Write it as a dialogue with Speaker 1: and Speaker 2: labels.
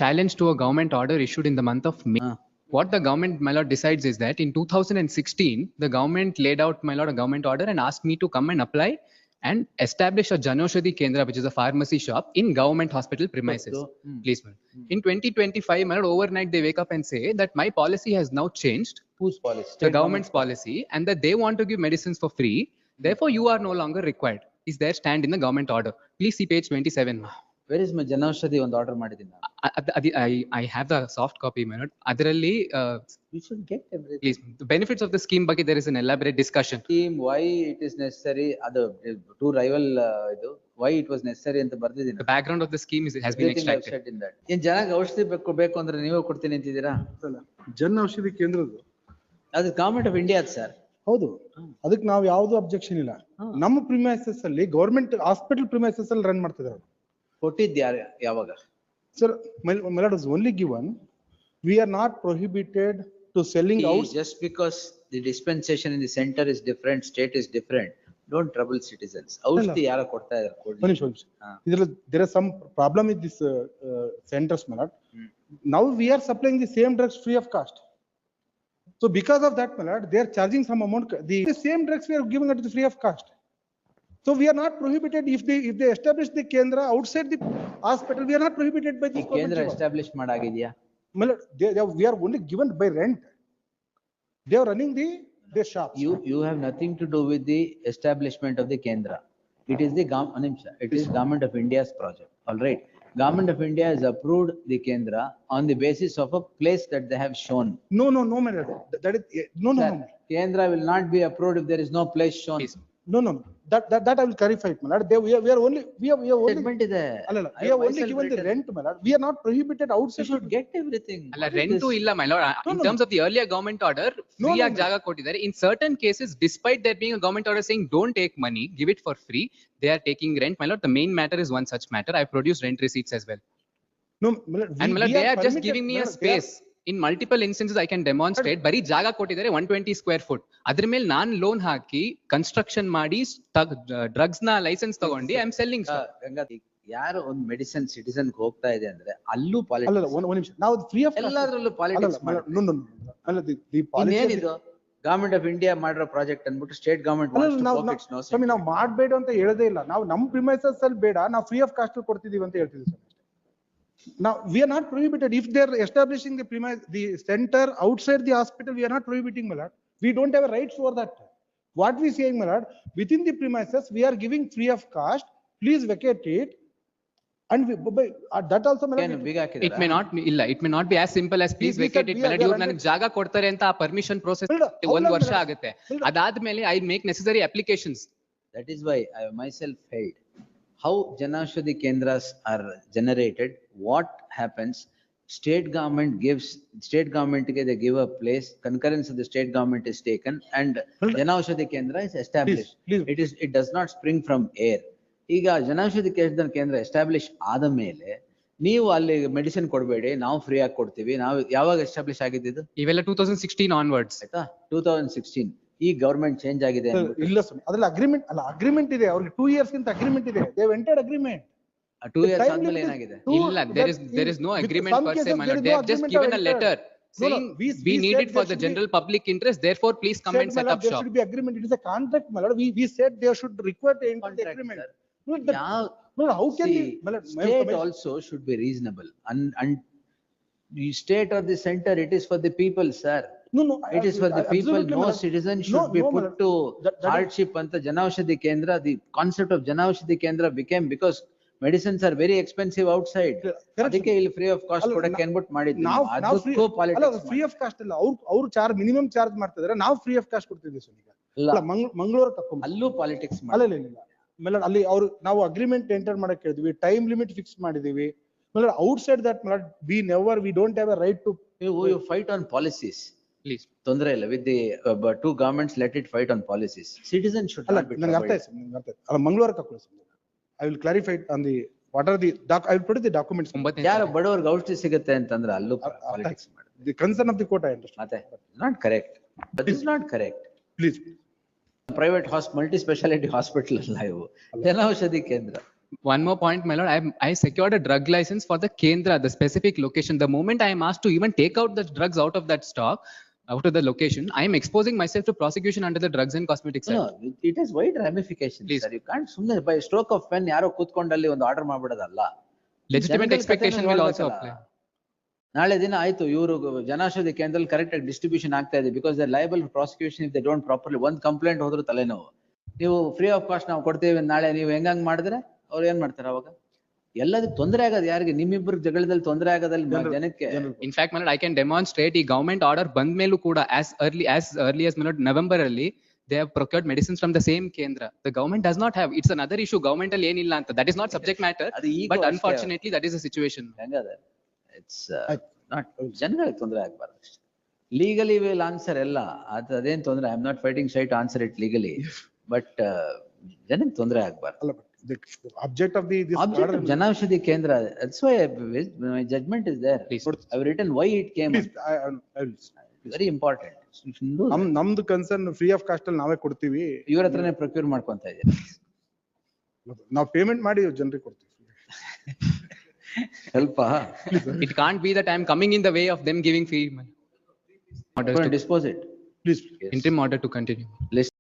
Speaker 1: challenge to a government order issued in the month of May. What the government, my lord, decides is that in 2016, the government laid out, my lord, a government order and asked me to come and apply and establish a Janaushadhi Kendra, which is a pharmacy shop in government hospital premises. Please, ma'am. In 2025, my lord, overnight they wake up and say that my policy has now changed.
Speaker 2: Whose policy?
Speaker 1: The government's policy, and that they want to give medicines for free. Therefore, you are no longer required. Is their stand in the government order? Please see page 27.
Speaker 2: Where is my Janaushadhi ಒಂದು order ಮಾಡಿದ್ದೀನಿ ನಾನು.
Speaker 1: I have the soft copy, my lord. Adralli,
Speaker 2: You should get everything.
Speaker 1: please, the benefits of the scheme ಬಗ್ಗೆ there is an elaborate discussion.
Speaker 2: Scheme, why it is necessary, ಅದು two rival ಇದು why it was necessary ಅಂತ ಬರ್ದಿದ್ದೀನಿ.
Speaker 1: The background of the scheme has been extracted.
Speaker 2: ಏನ್ ಜನಕ್ಕೆ ಔಷಧಿ ಬೇಕು ಅಂದ್ರೆ ನೀವೇ ಕೊಡ್ತೀನಿ ಅಂತಿದ್ದೀರಾ?
Speaker 3: ಜನ್ ಔಷಧಿ ಕೇಂದ್ರದ್ದು
Speaker 2: ಅದು ಗವರ್ಮೆಂಟ್ ಆಫ್ ಇಂಡಿಯಾ ಸರ್.
Speaker 3: ಹೌದು, ಅದಕ್ಕೆ ನಾವು ಯಾವ್ದು ಅಬ್ಜೆಕ್ಷನ್ ಇಲ್ಲ. ನಮ್ಮ ಪ್ರಿಮೈಸಸ್ ಅಲ್ಲಿ ಗವರ್ಮೆಂಟ್ ಹಾಸ್ಪಿಟಲ್ ಪ್ರಿಮೈಸಸ್ ಅಲ್ಲಿ ರನ್ ಮಾಡ್ತಿದ್ದಾರೆ.
Speaker 2: ಕೊಟ್ಟಿದ್ದು ಯಾವಾಗ?
Speaker 3: Sir, my lord was only given. We are not prohibited to selling out.
Speaker 2: Just because the dispensation in the center is different, state is different, don't trouble citizens. ಔಷಧಿ ಯಾರು ಕೊಡ್ತಾ ಇದ್ದಾರೆ?
Speaker 3: There is some problem with this centers, my lord. Now we are supplying the same drugs free of cost. So because of that, my lord, they are charging some amount. The same drugs we are giving at the free of cost. So we are not prohibited if they establish the Kendra outside the hospital. We are not prohibited by this.
Speaker 2: Kendra establish ಮಾಡಾಗಿದೆಯಾ?
Speaker 3: We are only given by rent. They are running the shops.
Speaker 2: You have nothing to do with the establishment of the Kendra. It is the Government of India's project. All right. Government of India has approved the Kendra on the basis of a place that they have shown.
Speaker 3: No, my lord. That is no.
Speaker 2: Kendra will not be approved if there is no place shown.
Speaker 3: No. That I will clarify it, my lord. We are only
Speaker 2: Statement ಇದೆ.
Speaker 3: We have only given the rent, my lord. We are not prohibited outside.
Speaker 2: You should get everything.
Speaker 1: Alla rent illa, my lord. In terms of the earlier government order, free ಆಗಿ ಜಾಗ ಕೊಟ್ಟಿದ್ದಾರೆ. In certain cases, despite there being a government order saying don't take money, give it for free, they are taking rent, my lord. The main matter is one such matter. I produced rent receipts as well.
Speaker 3: No, my lord.
Speaker 1: And my lord, they are just giving me a space. In multiple instances, I can demonstrate. ಬರೀ ಜಾಗ ಕೊಟ್ಟಿದ್ದಾರೆ 120 square foot. ಅದ್ರ ಮೇಲೆ ನಾನ್ loan ಹಾಕಿ construction ಮಾಡಿ drugs ನ licence ತಗೊಂಡು ಐ ಆಮ್ ಸೆಲ್ಲಿಂಗ್.
Speaker 2: ಯಾರು ಒಂದು ಮೆಡಿಸಿನ್ ಸಿಟಿಸನ್ ಹೋಗ್ತಾ ಇದೆ ಅಂದ್ರೆ ಅಲ್ಲೂ ಪಾಲಿಟಿಕ್ಸ್.
Speaker 3: ಅಲ್ಲ, ಒಂದು ನಿಮಿಷ. ನಾವು ಫ್ರೀ ಆಫ್
Speaker 2: ಎಲ್ಲದರಲ್ಲೂ politics.
Speaker 3: No.
Speaker 2: Government of India ಮಾಡಿರೋ ಪ್ರಾಜೆಕ್ಟ್ ಅನ್ಬಿಟ್ಟು ಸ್ಟೇಟ್ ಗವರ್ಮೆಂಟ್
Speaker 3: ನಾವು ಮಾಡಬೇಡ ಅಂತ ಹೇಳದೇ ಇಲ್ಲ. ನಾವು ನಮ್ಮ ಪ್ರಿಮೈಸಸ್ ಅಲ್ಲಿ ಬೇಡ, ನಾವು ಫ್ರೀ ಆಫ್ ಕಾಸ್ಟ್ ಕೊಡ್ತಿದೀವಿ ಅಂತ ಹೇಳ್ತಿದ್ವಿ sir. Now we are not prohibited if they are establishing the center outside the hospital. We are not prohibiting, my lord. We don't have a rights over that. What we saying, my lord, within the premises we are giving free of cost. Please vacate it. And that also, my lord,
Speaker 1: it may not be illa. It may not be as simple as please vacate it. My lord, ಇವ್ರು ನನಗೆ ಜಾಗ ಕೊಡ್ತಾರೆ ಅಂತ ಆ permission process 1 ವರ್ಷ ಆಗುತ್ತೆ. ಅದಾದ್ಮೇಲೆ I make necessary applications.
Speaker 2: That is why I myself held how Janaushadhi Kendras are generated. What happens? State government they give a place, concurrence of the state government is taken, and Janaushadhi Kendra is established.
Speaker 3: Please.
Speaker 2: It does not spring from air. ಈಗ ಜನೌಷಧಿ ಕೇಂದ್ರ establish ಆದ ಮೇಲೆ ನೀವು ಅಲ್ಲಿ medicine ಕೊಡಬೇಡಿ, ನಾವು free ಆಗಿ ಕೊಡ್ತೀವಿ. ನಾವು ಯಾವಾಗ ಎಸ್ಟಾಬ್ಲಿಷ್ ಆಗಿದ್ದು?
Speaker 1: ಇವೆಲ್ಲ 2016 onwards.
Speaker 2: ಆಯ್ತಾ? 2016 ಈ ಗವರ್ಮೆಂಟ್ ಚೇಂಜ್ ಆಗಿದೆ
Speaker 3: ಇಲ್ಲ ಸರ್. ಅದ್ರಲ್ಲಿ ಅಗ್ರಿಮೆಂಟ್ ಇದೆ. ಅವ್ರಿಗೆ 2 years ಗಿಂತ ಅಗ್ರಿಮೆಂಟ್ ಇದೆ. They went agreement.
Speaker 2: 2 years ಆದ್ಮೇಲೆ ಏನಾಗಿದೆ?
Speaker 1: ಇಲ್ಲ, there is no agreement per se, my lord. They have just given a letter saying we need it for the general public interest, therefore please come and set up shop.
Speaker 3: There should be agreement. It is a contract, my lord. We said they should require the agreement. No, how can
Speaker 2: state also should be reasonable, and the state or the center, it is for the people, sir.
Speaker 3: No,
Speaker 2: it is for the people. No citizen should be put to hardship. Anta Janaushadhi Kendra, the concept of Janaushadhi Kendra became because medicines are very expensive outside. ಅದಕ್ಕೆ ಇಲ್ಲಿ free of cost ಕೊಡಕ್ಕೆ ಅನ್ಬಿಟ್ಟು ಮಾಡಿದ್ವಿ. ಅದಕ್ಕೂ politics.
Speaker 3: Free of cost ಇಲ್ಲ, ಅವ್ರು charge minimum charge ಮಾಡ್ತಿದ್ದಾರೆ. ನಾವು ಫ್ರೀ ಆಫ್ ಕಾಸ್ಟ್ ಕೊಡ್ತಿದ್ವಿ ಸರ್. ಈಗ ಮಂಗಳೂರು ತಕೊಂಡ್
Speaker 2: ಅಲ್ಲೂ ಪಾಲಿಟಿಕ್ಸ್
Speaker 3: ಇಲ್ಲ. ಅಲ್ಲಿ ಅವ್ರು ನಾವು ಅಗ್ರಿಮೆಂಟ್ ಎಂಟರ್ ಮಾಡಕ್ ಹೇಳಿದ್ವಿ, ಟೈಮ್ ಲಿಮಿಟ್ ಫಿಕ್ಸ್ ಮಾಡಿದೀವಿ. Outside that we don't have a right to.
Speaker 2: You fight on policies.
Speaker 1: Please.
Speaker 2: ತೊಂದರೆ ಇಲ್ಲ. with the two governments, let it fight on policies. Citizens should not be.
Speaker 3: ನನಗೆ ಅರ್ಥ ಆಯ್ತು. ಅಲ್ಲ, Mangaluru ತಕೊಳ್ಳಿ. I will clarify on the what are the I will put the documents.
Speaker 2: ಯಾರು ಬಡವರಿಗೆ ಔಷಧಿ ಸಿಗುತ್ತೆ ಅಂತಂದ್ರೆ ಅಲ್ಲೂ ಪಾಲಿಟಿಕ್ಸ್ ಮಾಡಿ.
Speaker 3: The concern of the court I understand.
Speaker 2: ಮತ್ತೆ not correct. That is not correct.
Speaker 3: Please.
Speaker 2: Private multi speciality hospital ಅಲ್ಲ ಇವು. ಜನೌಷಧಿ ಕೇಂದ್ರ.
Speaker 1: One more point, my lord. I secured a drug license for the Kendra, the specific location. The moment I am asked to even take out the drugs out of that stock, out of the location, I am exposing myself to prosecution under the Drugs and Cosmetics Act.
Speaker 2: No, it has wide ramifications,
Speaker 1: Please.
Speaker 2: sir. You can't ಸುಮ್ನೆ by stroke of pen ಯಾರೋ ಕೂತ್ಕೊಂಡಲ್ಲಿ ಒಂದು order ಮಾಡ್ಬಿಡೋದಲ್ಲ.
Speaker 1: Legitimate
Speaker 2: ಜನಗಳ
Speaker 1: expectation
Speaker 2: ಕಥೆನೂ
Speaker 1: will also
Speaker 2: ಹೇಳ್ಬೇಕಲ್ಲ.
Speaker 1: apply.
Speaker 2: ನಾಳೆ ದಿನ ಆಯ್ತು ಇವರು ಜನೌಷಧಿ ಕೇಂದ್ರದಲ್ಲಿ ಕರೆಕ್ಟ್ ಆಗಿ ಡಿಸ್ಟ್ರಿಬ್ಯೂಷನ್ ಆಗ್ತಾ ಇದೆ because they liable prosecution if they don't properly ಒಂದ್ ಕಂಪ್ಲೇಂಟ್ ಹೋದ್ರು ತಲೆನೋವು. ನೀವು ಫ್ರೀ ಆಫ್ ಕಾಸ್ಟ್ ನಾವು ಕೊಡ್ತೇವೆ ನಾಳೆ ನೀವು ಹೆಂಗಂಗ್ ಮಾಡಿದ್ರೆ ಅವ್ರು ಏನ್ ಮಾಡ್ತಾರೆ ಅವಾಗ? ಎಲ್ಲದಕ್ಕೆ ತೊಂದರೆ ಆಗೋದು ಯಾರಿಗೆ? ನಿಮ್ಮಿಬ್ಬರು ಜಗಳದಲ್ಲಿ ತೊಂದರೆ ಆಗೋದಲ್ಲಿ ಜನಕ್ಕೆ.
Speaker 1: In fact, my lord, I can demonstrate ಈ government order ಬಂದ ಮೇಲೂ ಕೂಡ as early as my lord November ಅಲ್ಲಿ they have procured medicines from the same Kendra. The government does not have. It's another issue. Government ಅಲ್ಲಿ ಏನಿಲ್ಲ ಅಂತ. That is not subject matter.
Speaker 2: ಅದು ಈಗ
Speaker 1: But
Speaker 2: ಅಷ್ಟೇ.
Speaker 1: unfortunately, that is the situation.
Speaker 2: ಹೆಂಗದ? It's not ಜನಗಳಿಗೆ ತೊಂದರೆ ಆಗ್ಬಾರ್ದು ಅಷ್ಟೇ. ಲೀಗಲಿ ವಿಲ್ ಆನ್ಸರ್ ಎಲ್ಲ ಅದೇನ್ ತೊಂದರೆ. I am not fighting shy to answer it legally, but ಜನಕ್ಕೆ ತೊಂದರೆ ಆಗ್ಬಾರ್ದು.
Speaker 3: ಅಲ್ಲ, but the object of this
Speaker 2: Object
Speaker 3: order.
Speaker 2: of ಜನೌಷಧಿ ಕೇಂದ್ರ, that's why my judgment is there.
Speaker 1: Please.
Speaker 2: I've written why it came.
Speaker 3: Please, I will.
Speaker 2: Very important. You should do that.
Speaker 3: ನಮ್ದು concern free of cost ಅಲ್ಲಿ ನಾವೇ ಕೊಡ್ತೀವಿ.
Speaker 2: ಇವ್ರ ಹತ್ರನೇ procure ಮಾಡ್ಕೊಂತ ಇದ್ದೀರಿ.
Speaker 3: ನಾವು ಪೇಮೆಂಟ್ ಮಾಡಿ ಜನರಿಗೆ ಕೊಡ್ತೀವಿ.
Speaker 2: ಸ್ವಲ್ಪ
Speaker 1: It can't be that I am coming in the way of them giving free money. Orders to
Speaker 2: dispose it.
Speaker 3: Please.
Speaker 1: interim order to continue.
Speaker 2: List